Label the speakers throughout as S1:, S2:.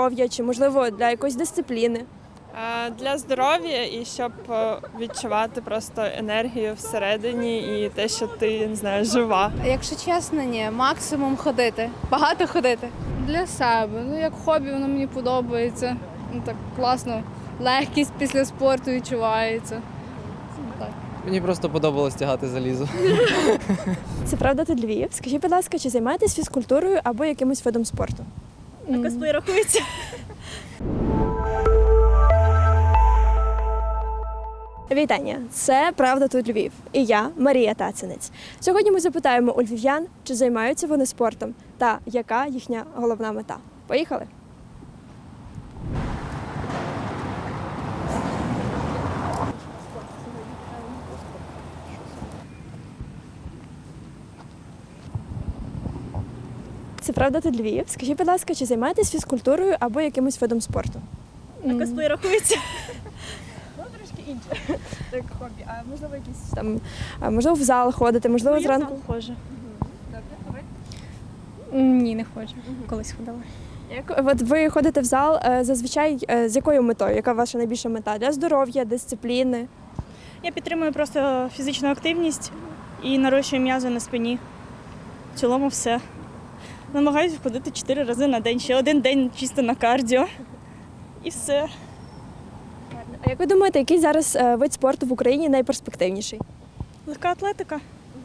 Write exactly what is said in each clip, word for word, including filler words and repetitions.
S1: здоров'я чи, можливо, для якоїсь дисципліни?
S2: А, Для здоров'я і щоб е, відчувати просто енергію всередині і те, що ти не знаю, жива.
S3: Якщо чесно, ні, максимум ходити. Багато ходити.
S4: Для себе. Ну, як хобі, воно мені подобається. Ну, так класно. Легкість після спорту відчувається. Так.
S5: Мені просто подобалось тягати залізо.
S1: Це правда тут Львів. Скажіть, будь ласка, чи займаєтесь фізкультурою або якимось видом спорту?
S4: А
S1: косплей рахується? Вітання! Це «Правда тут Львів» і я, Марія Тацинець. Сьогодні ми запитаємо у львів'ян, чи займаються вони спортом та яка їхня головна мета. Поїхали! Це правда тут Львів. Скажіть, будь ласка, чи займаєтесь фізкультурою або якимось видом спорту?
S4: А
S1: косплей рахується? Ну, трошки інше. Так, хобі. А можливо, якісь там, а, можливо, в зал ходити, можливо, зранку.
S4: Ходжу. Ні, не ходжу. Колись ходила.
S1: Як от ви ходите в зал е, зазвичай е, з якою метою? Яка ваша найбільша мета? Для здоров'я, дисципліни?
S6: Я підтримую просто фізичну активність і нарощую м'язи на спині. В цілому все. Намагаюся ходити чотири рази на день, ще один день чисто на кардіо. І все.
S1: А як ви думаєте, який зараз е, вид спорту в Україні найперспективніший?
S6: Легка атлетика.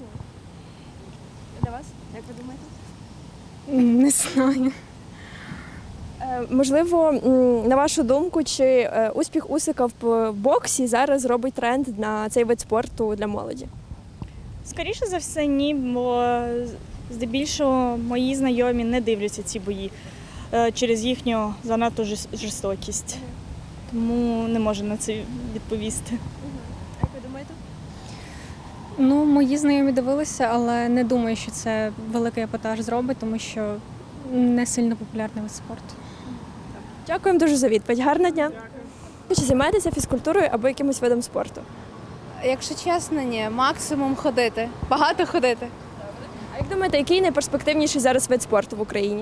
S1: Для вас? Як ви думаєте?
S4: Не знаю.
S1: Е, можливо, м, на вашу думку, чи е, успіх Усика в боксі зараз робить тренд на цей вид спорту для молоді?
S6: Скоріше за все, ні, бо здебільшого мої знайомі не дивляться ці бої е, через їхню занадто жорс- жорстокість. Тому не можу на це відповісти.
S1: Як ви думаєте?
S7: Ну, мої знайомі дивилися, але не думаю, що це великий епатаж зробить, тому що не сильно популярний вид спорту.
S1: Дякуємо дуже за відповідь. Гарного дня. Чи займаєтеся фізкультурою або якимось видом спорту?
S3: Якщо чесно, ні, максимум ходити. Багато ходити.
S1: А як думаєте, який найперспективніший зараз вид спорту в Україні?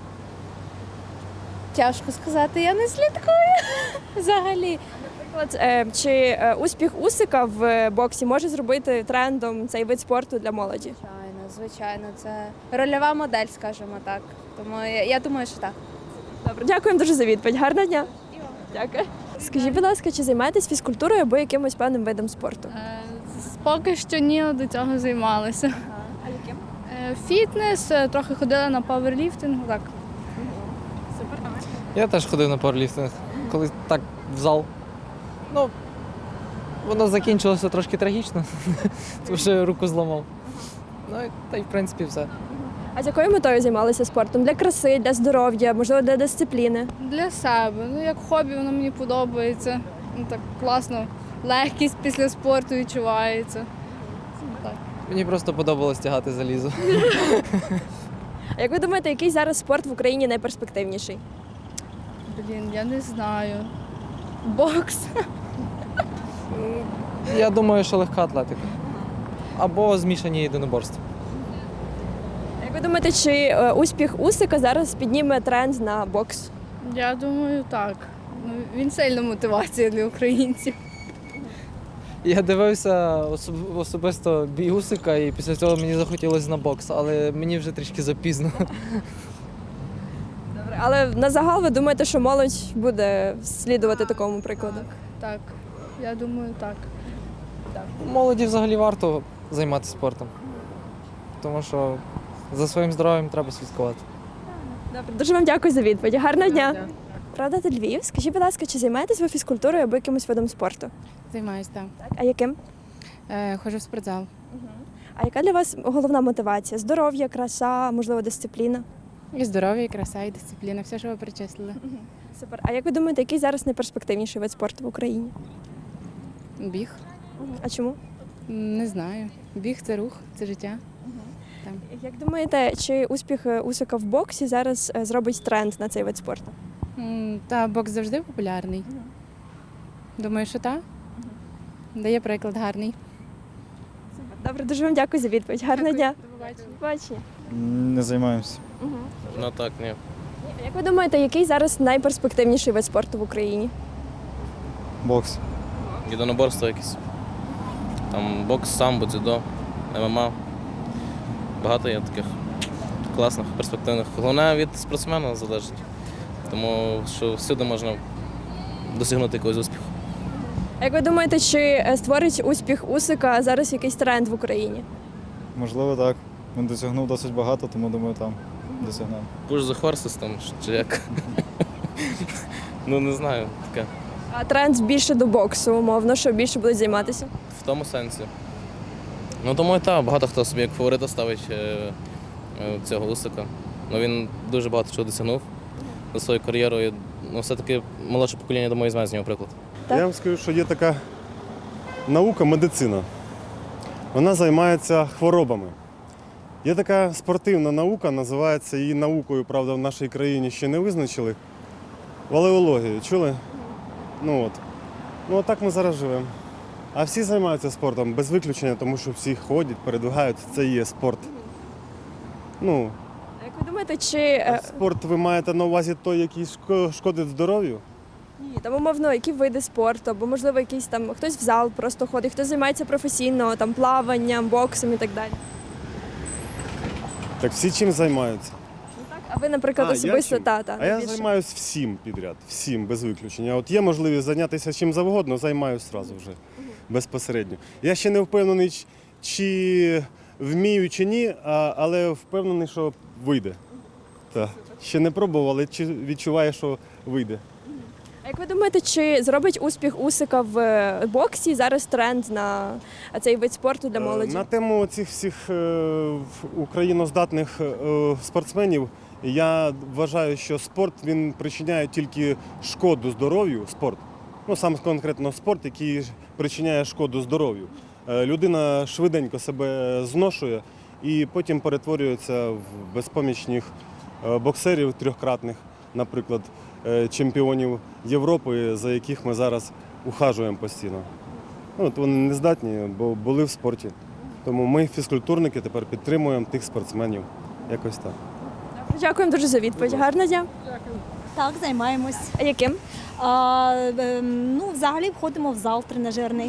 S3: Тяжко сказати, я не слідкую взагалі.
S1: Наприклад, е, чи е, успіх Усика в боксі може зробити трендом цей вид спорту для молоді?
S3: Звичайно, звичайно, це рольова модель, скажімо так. Тому я, я думаю, що так.
S1: Добре, дякуємо дуже за відповідь. Гарного дня. Дякую. Скажіть, будь ласка, чи займаєтесь фізкультурою або якимось певним видом спорту?
S4: Е, Поки що ні, але до цього займалася.
S1: А яким?
S4: Е, Фітнес, е, трохи ходила на паверліфтинг. Так.
S5: Я теж ходив на пауерліфтинг, коли так в зал. Ну, воно закінчилося трошки трагічно, тому що руку зламав. Ну, і- та й в принципі все.
S1: А з якою метою займалися спортом? Для краси, для здоров'я, можливо, для дисципліни?
S4: Для себе. Ну, як хобі, воно мені подобається. Ну, так класно. Легкість після спорту відчувається. Так.
S5: Мені просто подобалось тягати залізо.
S1: А як ви думаєте, який зараз спорт в Україні найперспективніший?
S4: Блін, я не знаю. Бокс.
S5: Я думаю, що легка атлетика. Або змішані єдиноборства.
S1: А як ви думаєте, чи е, успіх Усика зараз підніме тренд на бокс?
S4: Я думаю, так. Ну, він сильна мотивація для українців.
S5: Я дивився особ- особисто бій Усика, і після цього мені захотілося на бокс, але мені вже трішки запізно.
S1: Добре, але на загал ви думаєте, що молодь буде слідувати такому прикладу?
S4: Так, я думаю, так.
S5: Молоді взагалі варто займатися спортом, тому що за своїм здоров'ям треба слідкувати.
S1: Добре, дуже вам дякую за відповідь. Гарного дня. Правда, тут Львів. Скажіть, будь ласка, чи займаєтесь ви фізкультурою або якимось видом спорту?
S8: Займаюсь, так.
S1: Так. А яким?
S8: Е, ходжу в спортзал.
S1: А яка для вас головна мотивація? Здоров'я, краса, можливо, дисципліна?
S8: І здоров'я, і краса, і дисципліна, все, що ви перечислили.
S1: Супер. А як ви думаєте, який зараз найперспективніший вид спорту в Україні?
S8: Біг.
S1: А чому?
S8: М, Не знаю. Біг це рух, це життя.
S1: Як думаєте, чи успіх е, Усика в боксі зараз е, зробить тренд на цей вид спорту?
S8: М, Та бокс завжди популярний. Думаю, що так. Дає приклад гарний.
S1: Добре, дуже вам дякую за відповідь. Гарного дня.
S8: До побачення.
S1: Бачення.
S9: Не займаємося.
S10: Ну так, ні.
S1: Як ви думаєте, який зараз найперспективніший вид спорту в Україні?
S9: Бокс.
S10: Єдиноборство якесь. Там бокс, самбо, дзюдо, ММА. Багато є таких класних, перспективних. Головне від спортсмена залежить. Тому що всюди можна досягнути якогось успіху.
S1: А як ви думаєте, чи е, створить успіх Усика зараз якийсь тренд в Україні?
S9: Можливо, так. Він досягнув досить багато, тому думаю, там досягнув.
S10: Push the horses там, чи як. Ну не знаю, таке.
S1: А тренд більше до боксу, умовно, що більше будуть займатися?
S10: В тому сенсі. Ну тому і так, багато хто собі як фаворита ставить е, е, цього Усика. Ну він дуже багато чого досягнув за свою кар'єру. І, ну, все-таки молодше покоління, думаю, візьме з нього приклад.
S1: Так.
S11: Я вам скажу, що є така наука, медицина. Вона займається хворобами. Є така спортивна наука, називається її наукою, правда, в нашій країні ще не визначили. Валеологія, чули? Ну от. Ну отак ми зараз живемо. А всі займаються спортом, без виключення, тому що всі ходять, передвигаються, це і є спорт. Ну,
S1: А як ви думаєте, чи е,
S11: спорт ви маєте на увазі той, який шко- шкодить здоров'ю?
S1: ні, там умовно, які види спорту, або можливо якийсь там хтось в зал просто ходить, хтось займається професійно, там плаванням, боксом і так далі.
S11: Так всі чим займаються?
S1: А ви, наприклад,
S11: А, я
S1: особисто
S11: чим?
S1: та, та,
S11: А я
S1: більше.
S11: займаюся всім підряд, всім без виключення. От є можливість зайнятися чим завгодно, займаюся одразу вже безпосередньо. Я ще не впевнений, ч- чи вмію, чи ні, а- але впевнений, що вийде. Так. Ще не пробував, але чи- відчуваю, що вийде.
S1: А як ви думаєте, чи зробить успіх Усика в е, боксі зараз тренд на цей вид спорту для молоді?
S11: Е, На тему цих всіх е, в- україноздатних е, спортсменів я вважаю, що спорт він причиняє тільки шкоду здоров'ю. Спорт. Ну, саме конкретно спорт, який причиняє шкоду здоров'ю. Е, Людина швиденько себе зношує і потім перетворюється в безпомічних е, боксерів трьохкратних, наприклад, е, чемпіонів Європи, за яких ми зараз ухажуємо постійно. Ну, от вони не здатні, бо були в спорті. Тому ми, фізкультурники, тепер підтримуємо тих спортсменів. Якось так.
S1: Дякуємо дуже за відповідь. Гарного дня.
S12: Так, займаємось.
S1: А яким?
S12: А, е, ну, взагалі входимо в зал тренажерний.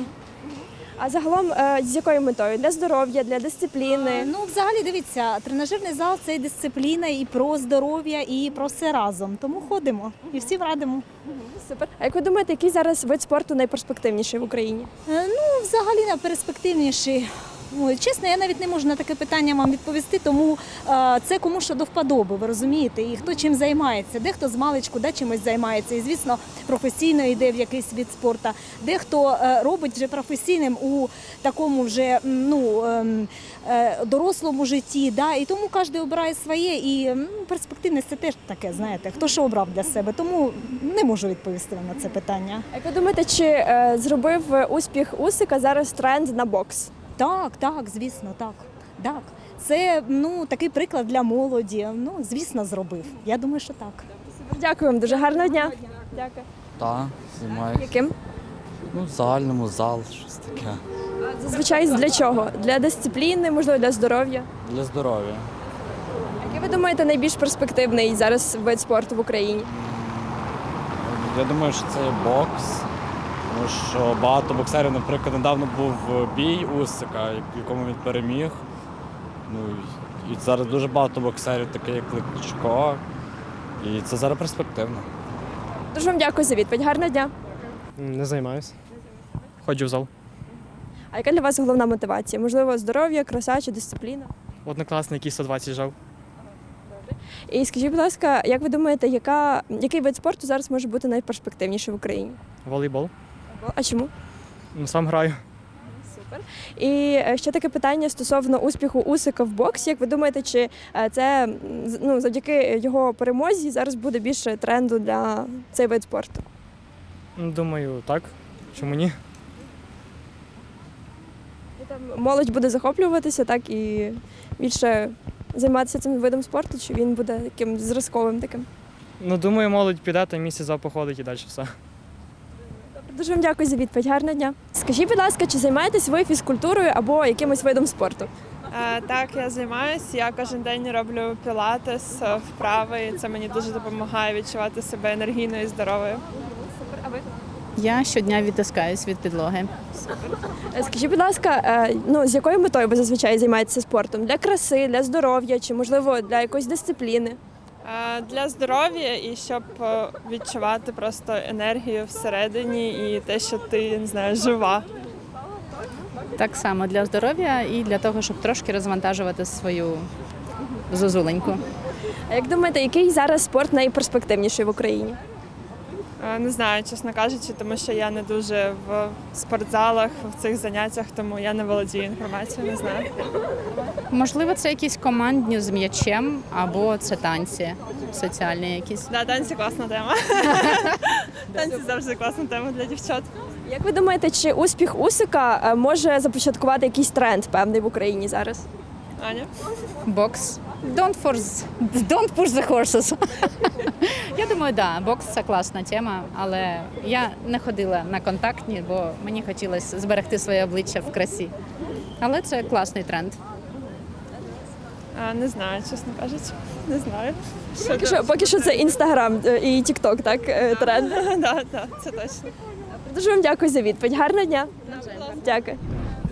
S1: А загалом е, з якою метою? Для здоров'я, для дисципліни?
S12: А, ну, взагалі, дивіться, тренажерний зал це і дисципліна, і про здоров'я, і про все разом. Тому ходимо і всім радимо.
S1: Супер. А як ви думаєте, який зараз вид спорту найперспективніший в Україні?
S12: Е, ну, взагалі, найперспективніший. Ой, чесно, я навіть не можу на таке питання вам відповісти, тому е, це кому що до вподоби, ви розумієте, і хто чим займається. Дехто з маличку да, чимось займається, і, звісно, професійно йде в якийсь від спорту. Дехто е, робить вже професійним у такому вже м, ну, е, е, дорослому житті. Да, і тому кожен обирає своє, і м, перспективність це теж таке, знаєте, хто що обрав для себе. Тому не можу відповісти вам на це питання.
S1: А як ви думаєте, чи е, зробив успіх Усика зараз тренд на бокс?
S12: Так, так, звісно, так. Так. Це ну, такий приклад для молоді. Ну, звісно, зробив. Я думаю, що так.
S1: Дякую вам дуже. Гарного дня. Дякую.
S13: Так, займаюся.
S1: Яким?
S13: Ну, в загальному зал, щось таке.
S1: Зазвичай для чого? Для дисципліни, можливо, для здоров'я?
S13: Для здоров'я.
S1: Який ви думаєте найбільш перспективний зараз вид спорту в Україні?
S13: Я думаю, що це є бокс. Тому що багато боксерів, наприклад, недавно був бій Усика, в якому він переміг. Ну, і зараз дуже багато боксерів, таких як Кличко. І це зараз перспективно.
S1: Дуже вам дякую за відповідь. Гарного дня.
S14: Не займаюся. Ходжу в зал.
S1: А яка для вас головна мотивація? Можливо, здоров'я, краса чи дисципліна?
S14: Однокласник, який сто двадцять жав.
S1: І скажіть, будь ласка, як ви думаєте, яка, який вид спорту зараз може бути найперспективніший в Україні?
S14: Волейбол.
S1: А чому?
S14: Ну, сам граю.
S1: Супер. І е, ще таке питання стосовно успіху Усика в боксі. Як ви думаєте, чи е, це м, з- ну, завдяки його перемозі зараз буде більше тренду для цей вид спорту?
S14: Ну, думаю, так. Чому ні?
S1: І там молодь буде захоплюватися, так, і більше займатися цим видом спорту, чи він буде таким зразковим таким?
S14: Ну, думаю, молодь піде, та місяць зал походить і далі все.
S1: Дуже вам дякую за відповідь. Гарного дня. Скажіть, будь ласка, чи займаєтесь ви фізкультурою або якимось видом спорту?
S2: Е, Так, я займаюся. Я кожен день роблю пілатес, е, вправи. І це мені дуже допомагає відчувати себе енергійною і здоровою.
S8: Я щодня відтискаюсь від підлоги.
S1: Е, Скажіть, будь ласка, е, ну з якою метою ви зазвичай займаєтеся спортом? Для краси, для здоров'я чи можливо для якоїсь дисципліни?
S2: Е, Для здоров'я і щоб е, відчувати просто енергію всередині і те, що ти не знаю, жива.
S8: Так само для здоров'я і для того, щоб трошки розвантажувати свою зозуленьку.
S1: А як думаєте, який зараз спорт найперспективніший в Україні?
S2: Е, Не знаю, чесно кажучи, тому що я не дуже в спортзалах, в цих заняттях, тому я не володію інформацією, не знаю.
S8: Можливо, це якісь командні з м'ячем або це танці соціальні якісь.
S2: Да, танці класна тема. Танці завжди класна тема для дівчат.
S1: Як ви думаєте, чи успіх Усика е, може започаткувати якийсь тренд певний в Україні зараз?
S2: Аня?
S8: Бокс. Don't force, don't push the horses. Я думаю, да, бокс це класна тема, але я не ходила на контактні, бо мені хотілося зберегти своє обличчя в красі. Але це класний тренд.
S2: А, Не знаю, чесно кажучи. Не знаю.
S1: Поки що, поки що це Інстаграм е, і Тікток, так, е, тренд.
S2: Так, так, це точно.
S1: Дуже вам дякую за відповідь. Гарного дня. Дякую.